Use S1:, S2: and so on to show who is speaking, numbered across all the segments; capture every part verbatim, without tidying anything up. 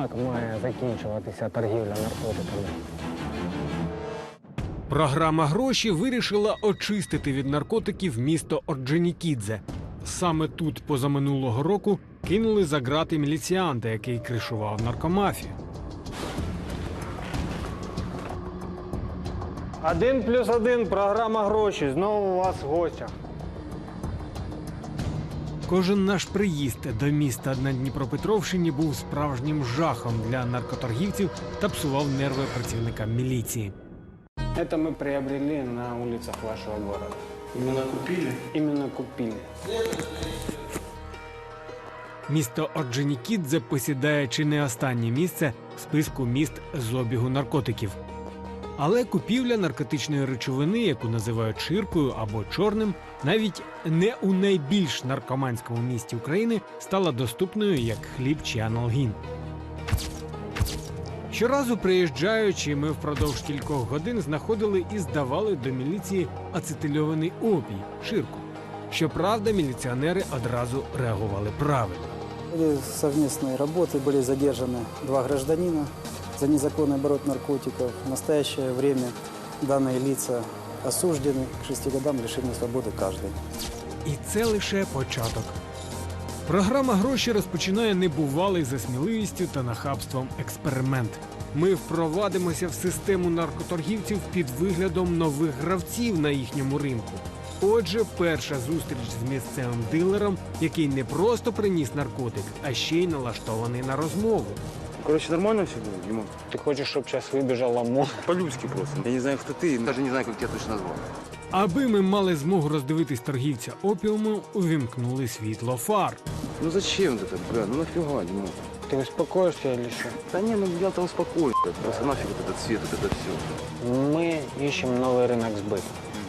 S1: як має закінчуватися торгівля наркотиками?
S2: Програма «Гроші» вирішила очистити від наркотиків місто Орджонікідзе. Саме тут позаминулого року кинули за ґрати міліціанта, який кришував наркомафію.
S1: Один плюс один, програма «Гроші». Знову у вас в гостях.
S2: Кожен наш приїзд до міста на Дніпропетровщині був справжнім жахом для наркоторгівців та псував нерви працівникам міліції.
S1: Это мы приобрели на улицах вашего города.
S3: Именно купили?
S1: Именно купили.
S2: Місто Орджонікідзе посідає чи не останнє місце в списку міст з обігу наркотиків. Але купівля наркотичної речовини, яку називають ширкою або чорним, навіть не у найбільш наркоманському місті України стала доступною як хліб чи аналгін. Щоразу приїжджаючи, ми впродовж кількох годин знаходили і здавали до міліції ацетильований опій – ширку. Щоправда, міліціонери одразу реагували правильно.
S4: В ходе совместной работы были задержаны два гражданина за незаконный оборот наркотиков. В настоящее время данные лица осуждены к шести годам лишения свободы каждый.
S2: І це лише початок. Програма «Гроші» розпочинає небувалий за сміливістю та нахабством експеримент. Ми впровадимося в систему наркоторгівців під виглядом нових гравців на їхньому ринку. Отже, перша зустріч з місцевим дилером, який не просто приніс наркотик, а ще й налаштований на розмову.
S3: Короче, нормально все было, Димон?
S1: Ты хочешь, чтобы сейчас выбежал ОМОН?
S3: По-людски просто. Я не знаю, кто ты, даже не знаю, как тебя точно назвал.
S2: Аби ми мали змогу роздивитись торгівця опіуму, увімкнули світло фар.
S3: Ну зачем это, бля, ну нафига, Димон?
S1: Ты успокоишься или что?
S3: Да не, ну я там успокоюсь, бля, просто нафиг вот этот свет, вот это все.
S1: Мы ищем новый рынок сбыта.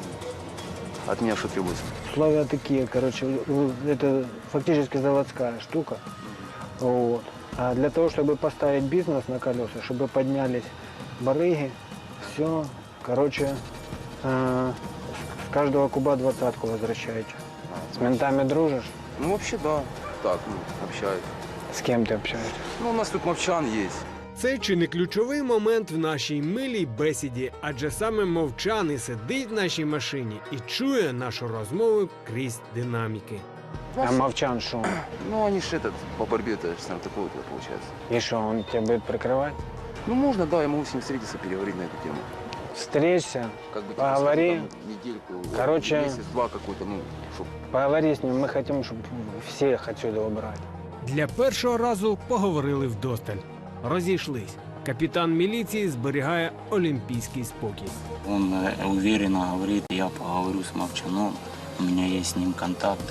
S3: От меня что требуется?
S1: Условия такие, короче, это фактически заводская штука. Вот. А для того, чтобы поставить бизнес на колеса, чтобы поднялись барыги, все, короче, э, с каждого куба двадцатку возвращаете. С ментами дружишь?
S3: Ну вообще да, так, ну, общаюсь.
S1: С кем ты общаешься?
S3: Ну у нас тут мовчан есть.
S2: Це чи не ключовий момент в нашій милій бесіді, адже саме мовчаний сидить в нашій машині і чує нашу розмову крізь динаміки.
S1: А Мовчан что?
S3: Ну они ж этот, по борьбе-то с наркотиками получается.
S1: И что, он тебя будет прикрывать?
S3: Ну можно, да, я могу с ним встретиться, переговорить на эту тему.
S1: Встреться,
S3: Как бы, типа,
S1: Поговори.
S3: скажем, там, недельку,
S1: Короче-
S3: месяц-два какой-то, ну, чтоб...
S1: поговори с ним, мы хотим, чтобы всех отсюда убрать.
S2: Для першого разу поговорили вдосталь. Розійшлись. Капітан міліції зберігає олімпійський спокій.
S5: Он э, уверенно говорит, я поговорю с Мовчаном, у меня есть с ним контакты.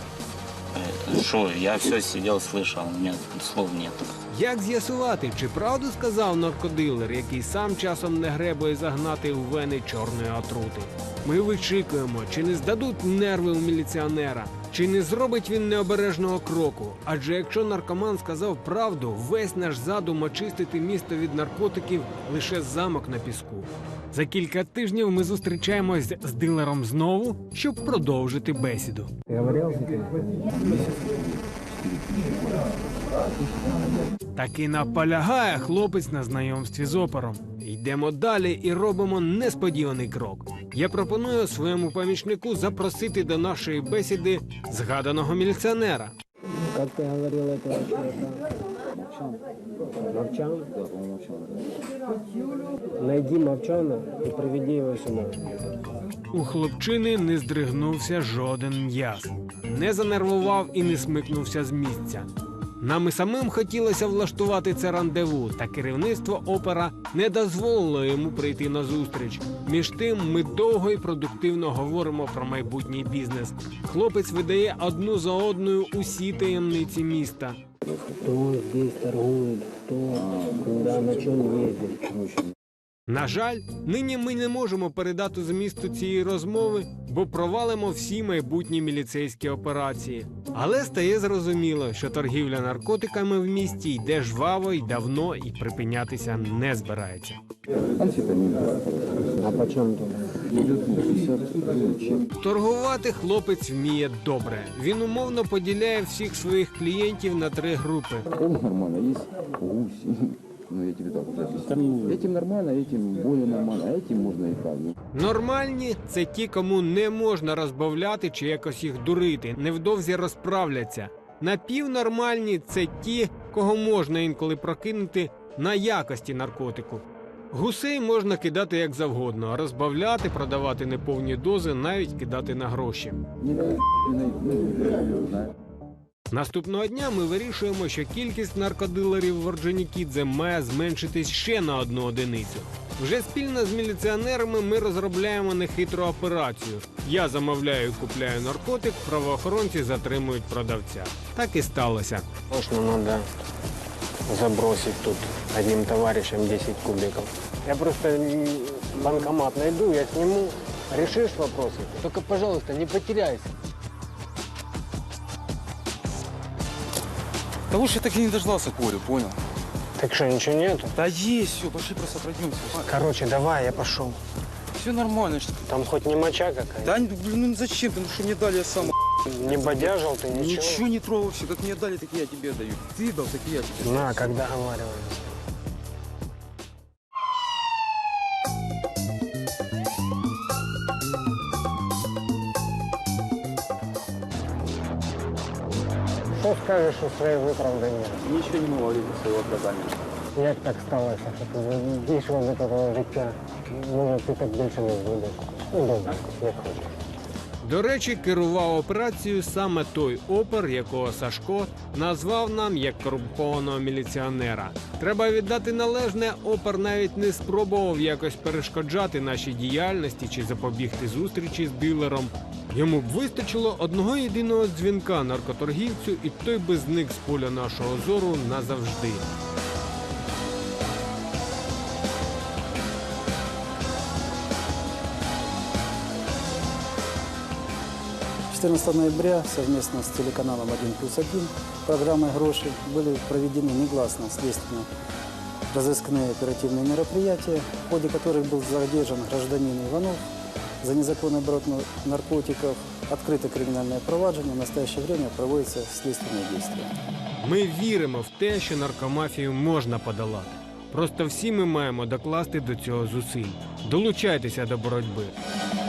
S5: Э, Что, я все сидел, слышал, у меня слов нет.
S2: Як з'ясувати, чи правду сказав наркодилер, який сам часом не гребує загнати у вени чорної отрути? Ми вичікуємо, чи не здадуть нерви у міліціонера, чи не зробить він необережного кроку. Адже якщо наркоман сказав правду, весь наш задум очистити місто від наркотиків – лише замок на піску. За кілька тижнів ми зустрічаємось з дилером знову, щоб продовжити бесіду.
S1: Ты говорил?
S2: Таки наполягає хлопець на знайомстві з опером. Йдемо далі і робимо несподіваний крок. Я пропоную своєму помічнику запросити до нашої бесіди згаданого міліціонера.
S1: Как ты говорил, это Мовчан. Мовчан? Найди Мовчана и приведи его сюда.
S2: У хлопчини не здригнувся жоден м'яз. Не занервував і не смикнувся з місця. Нам і самим хотілося влаштувати це рандеву, та керівництво опера не дозволило йому прийти на зустріч. Між тим ми довго і продуктивно говоримо про майбутній бізнес. Хлопець видає одну за одною усі таємниці міста.
S1: Кто здесь торгует, кто, куда, на чем ездит.
S2: На жаль, нині ми не можемо передати змісту цієї розмови, бо провалимо всі майбутні міліцейські операції. Але стає зрозуміло, що торгівля наркотиками в місті йде жваво й давно і припинятися не збирається.
S1: А почем тут?
S2: Торгувати хлопець вміє добре. Він умовно поділяє всіх своїх клієнтів на три групи.
S6: Он нормально, есть гусь. Ну, я тебе так уже объясню. Этим нормально, этим более нормально, а этим можно и так.
S2: Нормальні – це ті, кому не можна розбавляти чи якось їх дурити, невдовзі розправляться. Напівнормальні – це ті, кого можна інколи прокинути на якості наркотику. Гусей можна кидати як завгодно, розбавляти, продавати неповні дози, навіть кидати на гроші.
S6: Не на не на знаю.
S2: Наступного дня ми вирішуємо, що кількість наркодилерів в Орджонікідзе має зменшитись ще на одну одиницю. Вже спільно з міліціонерами ми розробляємо нехитру операцію. Я замовляю і купляю наркотик, правоохоронці затримують продавця. Так і сталося.
S1: Можно надо забросить тут одним товарищем десять кубиков. Я просто м, банкомат найду, я сниму. Решишь вопросы? Только, пожалуйста, не потеряйся.
S3: Да лучше я так и не дождался Колю, понял?
S1: Так что, ничего нету?
S3: Да есть, все, пошли просто пройдемся.
S1: Короче, давай, я пошел.
S3: Все нормально. Что...
S1: Там хоть не моча какая-то?
S3: Да, блин, ну зачем ты? Ну что мне дали, я сам...
S1: Не бодяжил ты, ничего?
S3: Ничего не трогал все. Как мне дали, так я тебе даю. Ты дал, так и я тебе.
S1: На, как договаривались. Что скажешь о своей виправданні?
S6: Ничего не могу говорить о своего оправдания.
S1: Як так сталося, що ти дійшов до такого життя? Може, ти так більше не зробиш? Ну, добре, як хочеш.
S2: До речі, керував операцією саме той опер, якого Сашко назвав нам як корумпованого міліціонера. Треба віддати належне, опер навіть не спробував якось перешкоджати нашій діяльності чи запобігти зустрічі з дилером. Йому б вистачило одного єдиного дзвінка наркоторгівцю, і той би зник з поля нашого зору назавжди.
S4: четырнадцатого ноября совместно с телеканалом один плюс один программой «Гроши» были проведены негласно следственные разыскные оперативные мероприятия, в ходе которых был задержан гражданин Иванов за незаконный оборот наркотиков. Открыто криминальное проваджение, в настоящее время проводятся следственные действия.
S2: Ми віримо в те, що наркомафію можна подолати. Просто всі ми маємо докласти до цього зусиль. Долучайтеся до боротьби.